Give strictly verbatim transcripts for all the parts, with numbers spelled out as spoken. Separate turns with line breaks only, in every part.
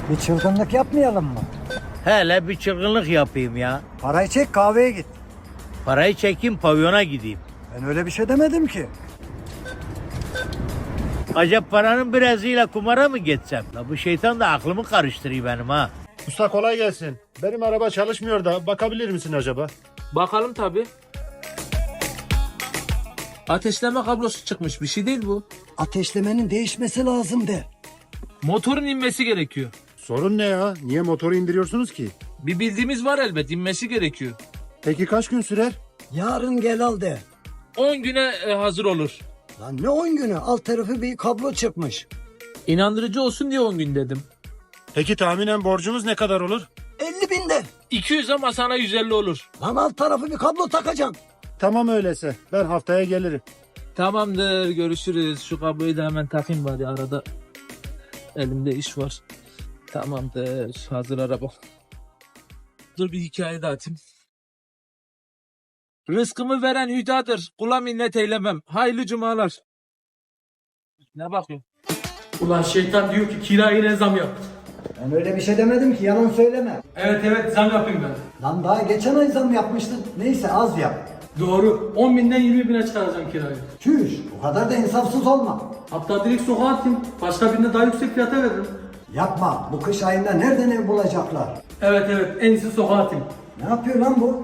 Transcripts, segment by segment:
Bir çılgınlık yapmayalım mı?
Hele bir çılgınlık yapayım ya.
Parayı çek, kahveye git.
Parayı çekeyim, pavyona gideyim.
Ben öyle bir şey demedim ki.
Acaba paranın birazıyla kumara mı geçsem? La bu şeytan da aklımı karıştırıyor benim ha.
Usta kolay gelsin. Benim araba çalışmıyor da bakabilir misin acaba?
Bakalım tabi. Ateşleme kablosu çıkmış, bir şey değil bu.
Ateşlemenin değişmesi lazım de.
Motorun inmesi gerekiyor.
Sorun ne ya? Niye motoru indiriyorsunuz ki?
Bir bildiğimiz var elbet, inmesi gerekiyor.
Peki kaç gün sürer?
Yarın gel al de.
on güne e, hazır olur.
Lan ne on günü? Alt tarafı bir kablo çıkmış.
İnandırıcı olsun diye on gün dedim.
Peki tahminen borcumuz ne kadar olur?
elli bin de.
iki yüz ama sana yüz elli olur.
Lan alt tarafı bir kablo takacaksın.
Tamam öyleyse. Ben haftaya gelirim.
Tamamdır, görüşürüz. Şu kabloyu da hemen takayım bari, arada elimde iş var. Tamamdır, hazır araba. Dur bir hikaye de atayım. Rızkımı veren hüdadır. Kula minnet eylemem. Hayırlı cumalar. Ne bakıyorsun?
Ulan şeytan diyor ki kirayı ne zam yap.
Ben öyle bir şey demedim ki, yalan söyleme.
Evet evet zam yapayım ben.
Lan daha geçen ay zam yapmıştın. Neyse az yap.
Doğru. on binden yirmi bine çıkaracağım kirayı.
Çüş, bu kadar da insafsız olma.
Hatta direkt sokağa atayım. Başka birine daha yüksek fiyata veririm.
Yapma, bu kış ayında nereden ev bulacaklar?
Evet evet en iyisi sokağa atayım.
Ne yapıyor lan bu?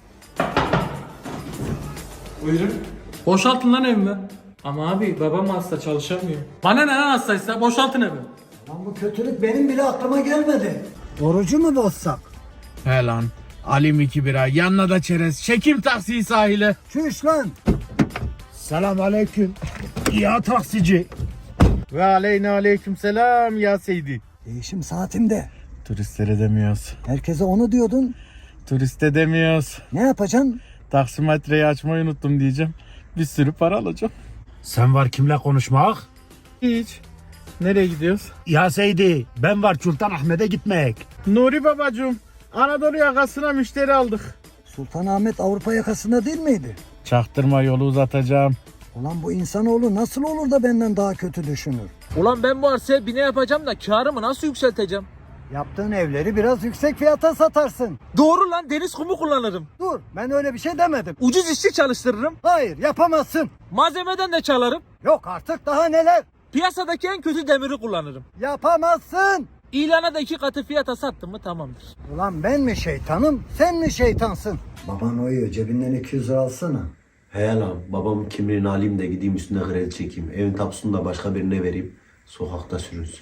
Buyurun. Boşaltın lan evimi. Ama abi babam hasta çalışamıyor. Bana ne lan hastaysa boşaltın evi.
Lan bu kötülük benim bile aklıma gelmedi. Orucu mu bozsak?
He lan. Alim iki bira, yanına da çerez. Çekim taksiyi sahile.
Çüş lan.
Selam aleyküm. Ya taksici.
Ve aleyna aleyküm selam ya Seydi.
Değişim saatimde.
Turistlere demiyoruz.
Herkese onu diyordun.
Turiste demiyoruz.
Ne yapacaksın?
Taksimetreyi açmayı unuttum diyeceğim. Bir sürü para alacağım.
Sen var kimle konuşmak?
Hiç. Nereye gidiyoruz?
Ya Seydi, ben var Sultan Ahmet'e gitmek.
Nuri babacığım. Anadolu yakasına müşteri aldık.
Sultanahmet Avrupa yakasında değil miydi?
Çaktırma, yolu uzatacağım.
Ulan bu insanoğlu nasıl olur da benden daha kötü düşünür?
Ulan ben bu arsaya bine yapacağım da karımı nasıl yükselteceğim?
Yaptığın evleri biraz yüksek fiyata satarsın.
Doğru lan, deniz kumu kullanırım.
Dur, ben öyle bir şey demedim.
Ucuz işçi çalıştırırım.
Hayır, yapamazsın.
Malzemeden de çalarım.
Yok artık, daha neler?
Piyasadaki en kötü demiri kullanırım.
Yapamazsın.
İlana da iki katı fiyata sattım mı tamamdır.
Ulan ben mi şeytanım, sen mi şeytansın? Baban uyuyor, cebinden iki yüz lira alsana.
He lan babamın kimliğini alayım da gideyim üstüne kredi çekeyim. Evin tapusunu da başka birine vereyim. Sokakta sürünsün.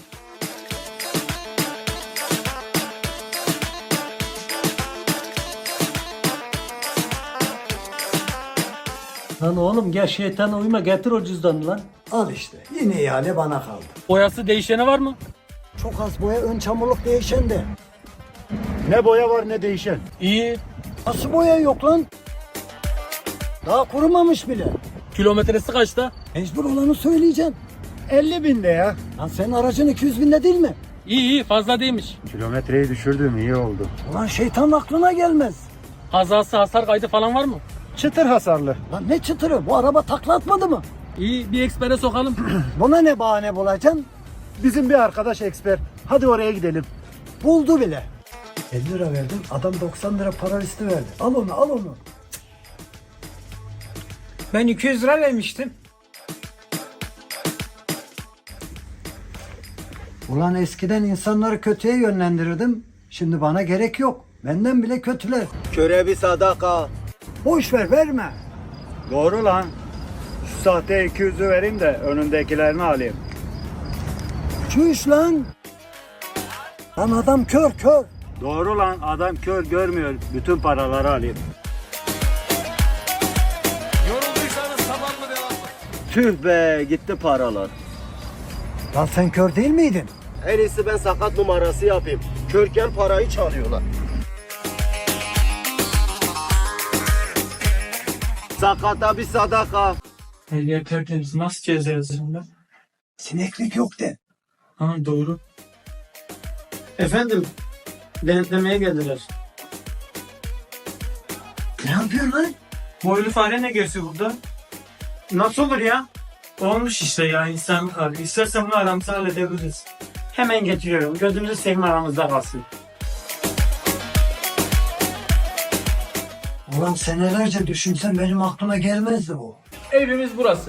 Lan oğlum gel şeytana uyma, getir o cüzdanı lan.
Al işte, yine ihale bana kaldı.
Boyası değişeni var mı?
Çok az boya, ön çamurluk değişen de.
Ne boya var ne değişen.
İyi.
Nasıl boya yok lan? Daha kurumamış bile.
Kilometresi kaçta?
Mecbur olanı söyleyeceksin.
elli binde ya.
Lan senin aracın iki yüz binde değil mi?
İyi iyi, fazla değilmiş.
Kilometreyi düşürdüm, iyi oldu.
Ulan şeytanın aklına gelmez.
Kazası, hasar kaydı falan var mı?
Çıtır hasarlı.
Lan ne çıtırı, bu araba takla atmadı mı?
İyi, bir ekspere sokalım.
Buna ne bahane bulacaksın?
Bizim bir arkadaş eksper. Hadi oraya gidelim.
Buldu bile. elli lira verdim, adam doksan lira para listi verdi. Al onu, al onu.
Ben iki yüz lira vermiştim.
Ulan eskiden insanları kötüye yönlendirirdim. Şimdi bana gerek yok. Benden bile kötüler.
Köre bir sadaka.
Boş ver, verme.
Doğru lan. Şu sahte iki yüzü vereyim de önündekilerini alayım.
Çüş lan. Lan adam kör kör.
Doğru lan, adam kör görmüyor. Bütün paraları alayım.
Tüh be gitti paralar.
Lan sen kör değil miydin?
En iyisi ben sakat numarası yapayım. Körken parayı çalıyorlar. Sakata bir sadaka.
Ehliyet tertemiz, nasıl ceza yazarım ben?
Sineklik yok de.
Ha doğru. Efendim, denetlemeye geldiler.
Ne yapıyorsun lan?
Boylu fare ne geziyor burada? Nasıl olur ya? Olmuş işte ya, insanlık hali. İstersen bunu aramsa halledebiliriz.
Hemen getiriyorum. Gözünüzü seveyim, aramızda kalsın.
Ulan senelerce düşünsem benim aklıma gelmezdi bu.
Evimiz burası.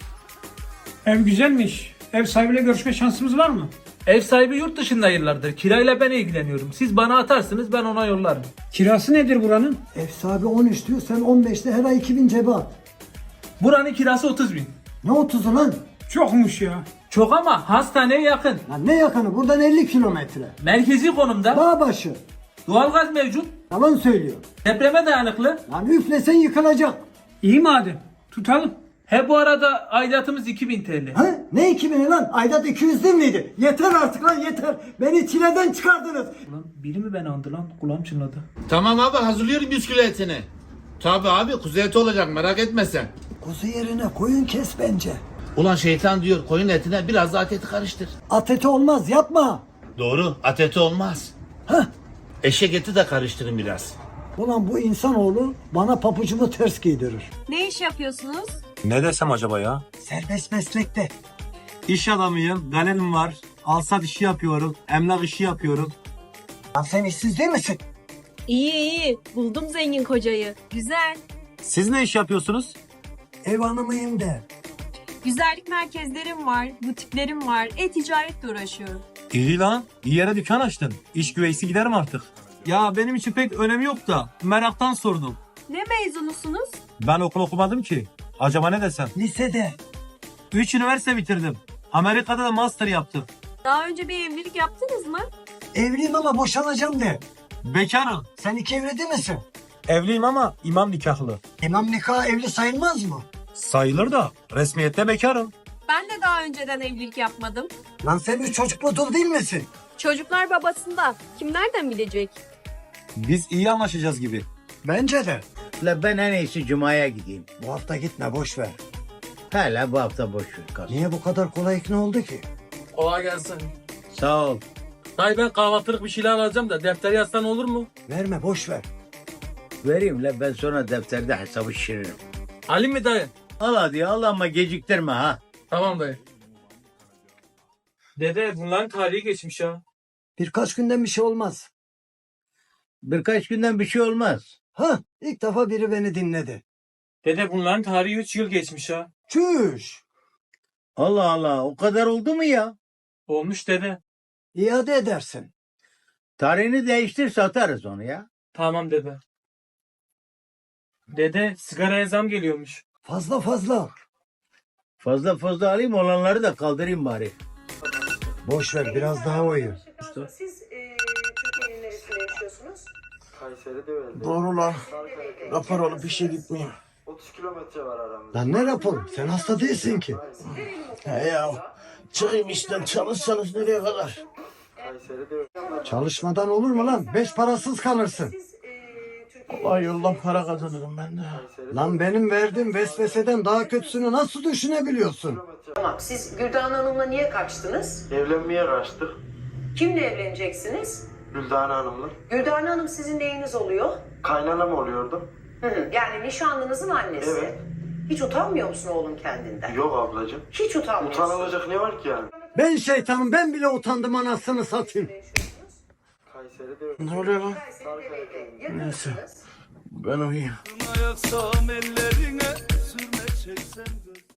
Ev güzelmiş. Ev sahibiyle görüşme şansımız var mı?
Ev sahibi yurt dışında yıllardır. Kirayla ben ilgileniyorum. Siz bana atarsınız, ben ona yollarım.
Kirası nedir buranın?
Ev sahibi on üç diyor, sen on beşte her ay iki bin cebe at.
Buranın kirası otuz bin.
Ne otuzu lan?
Çokmuş ya.
Çok ama hastaneye yakın.
Lan ne yakını, buradan elli kilometre.
Merkezi konumda.
Dağ başı.
Doğalgaz mevcut.
Yalan söylüyor.
Depreme dayanıklı.
Lan üflesen yıkılacak.
İyi madem. Tutalım.
He bu arada aidatımız iki bin T L.
Ha? Ne iki bini lan? Aydat iki yüz değil miydi? Yeter artık lan, yeter. Beni çileden çıkardınız.
Ulan biri mi beni andı lan? Kulağım çınladı.
Tamam abi hazırlıyorum yüz kilo etini. Tabi abi kuzu eti olacak merak etme sen.
Kuzu yerine koyun kes bence.
Ulan şeytan diyor koyun etine biraz da at eti karıştır.
At eti olmaz, yapma.
Doğru at eti olmaz.
Hah.
Eşek eti de karıştırın biraz.
Ulan bu insanoğlu bana papucumu ters giydirir.
Ne iş yapıyorsunuz?
Ne desem acaba ya?
Serbest meslekte.
İş adamıyım, galerim var. Alsat işi yapıyorum, emlak işi yapıyorum.
Lan sen işsiz değil misin?
İyi iyi. Buldum zengin kocayı. Güzel.
Siz ne iş yapıyorsunuz?
Ev hanımıyım de.
Güzellik merkezlerim var, butiklerim var. E-ticaretle uğraşıyorum.
İyi lan, iyi yere dükkan açtın. İş güveysi giderim artık. Ya benim için pek önemi yok da meraktan sordum.
Ne mezunusunuz?
Ben okul okumadım ki. Acaba ne desem?
Lisede.
Üç üniversite bitirdim. Amerika'da da master yaptım.
Daha önce bir evlilik yaptınız mı?
Evliyim ama boşanacağım de.
Bekarım.
Sen iki evli değil misin?
Evliyim ama imam nikahlı.
İmam nikahı evli sayılmaz mı?
Sayılır da resmiyette bekarım.
Ben de daha önceden evlilik yapmadım.
Lan sen üç çocuklu dul değil misin?
Çocuklar babasında. Kim nereden bilecek?
Biz iyi anlaşacağız gibi.
Bence de.
La ben en iyisi Cuma'ya gideyim.
Bu hafta gitme, boş ver.
Hala bu hafta boş ver kalsın.
Niye bu kadar kolay ikna oldu ki?
Kolay gelsin.
Sağ ol.
Dayı ben kahvaltılık bir şeyler alacağım da defteri yazsan olur mu?
Verme, boş ver.
Vereyim la, ben sonra defterde hesabı şişiririm.
Ali mi dayı?
Al hadi al ama geciktirme ha.
Tamam dayı. Dede bunların tarihi geçmiş ya.
Birkaç günden bir şey olmaz.
Birkaç günden bir şey olmaz.
Ha, ilk defa biri beni dinledi.
Dede bunların tarihi üç yıl geçmiş ya.
Çüş.
Allah Allah, o kadar oldu mu ya?
Olmuş dede.
İade edersin.
Tarihini değiştir, satarız onu ya.
Tamam dede. Dede sigaraya zam geliyormuş.
Fazla fazla.
Fazla fazla alayım, olanları da kaldırayım bari.
Boş ver, biraz daha uyu.
Siz e, Türkiye'nin neresinde yaşıyorsunuz?
Kayseri'de öyle.
Doğru lan. Rapor olup işe gitmiyor.
otuz kilometre var aramızda.
Lan ne rapor? Sen hasta değilsin ki.
He ya. Çıkayım işten çalışsanız nereye kadar?
Kayseri'de öyle.
Çalışmadan olur mu lan? Beş parasız kalırsın.
Siz e, Türkiye'nin
Allah yoldan para kazanırım ben de.
Lan benim verdiğim vesveseden daha kötüsünü nasıl düşünebiliyorsun?
Tamam. Siz Güldan Hanım'la niye kaçtınız?
Evlenmeye kaçtık.
Kimle evleneceksiniz?
Güldan Hanım'la.
Güldan Hanım sizin neyiniz oluyor?
Kaynanam oluyordu.
Hı hı. Yani nişanlınızın annesi.
Evet.
Hiç utanmıyor musun oğlum kendinden?
Yok ablacığım.
Hiç utanmıyorsun.
Utanılacak ne var ki yani?
Ben şeytanım, ben bile utandım anasını satayım.
Kayseri'de öyle.
Ne oluyor lan?
Neyse.
Ben uyuyayım.
Yaksam ellerine sürme çeksem